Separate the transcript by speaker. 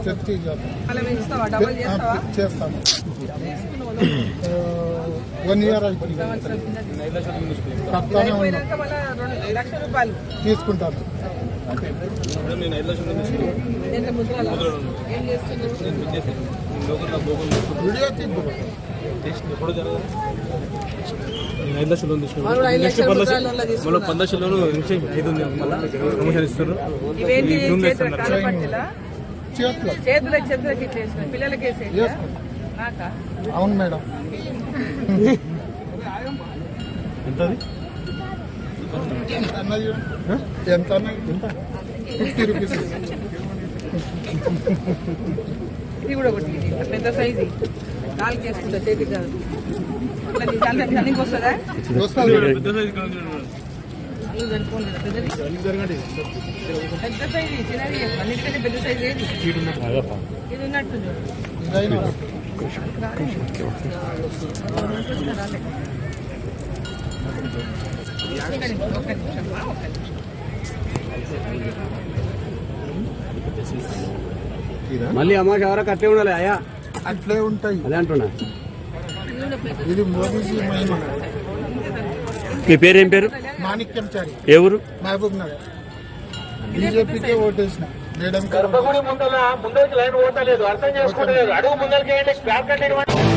Speaker 1: చేస్తాము. 1 year అయిపోయింది. తీసుకుంటాను. వీడియో
Speaker 2: ఎప్పుడు జరగదు. 5 లక్షలు లోన్ తీసుకున్నాను. నెక్స్ట్ 10 లక్షలు 15 లక్షలు ఇది ఉంది. మళ్ళీ ప్రమోషన్ ఇస్తారు.
Speaker 1: అవును మేడం. ఎంత 50 రూపీస్.
Speaker 3: ఇది కూడా ఒకటి పెద్ద సైజు కాలు చేసుకుంటా చేతికి కాదు. రన్నింగ్ వస్తుందా? పెద్ద సైజు చిన్నది అన్నిటికంటే పెద్ద సైజు ఏది? ఇది ఉన్నట్టు
Speaker 4: మళ్ళీ అమ్మాయి ఎవరో కట్టే ఉండాలి. అయ్యా
Speaker 1: అట్లే ఉంటాయి.
Speaker 4: అదే అంటున్నా.
Speaker 1: ఇది మోదీజీ మహిమ.
Speaker 4: మీ పేరేం పేరు?
Speaker 1: మాణిక్యంచారి.
Speaker 4: ఏ ఊరు?
Speaker 1: మహబూబ్ నగర్. బీజేపీకే ఓటేసిన. మేడం
Speaker 5: గర్భగుడి ముందరికి లైన్ పోతలేదు, అర్థం చేసుకోవట్లేదు. అడుగు ముందరికి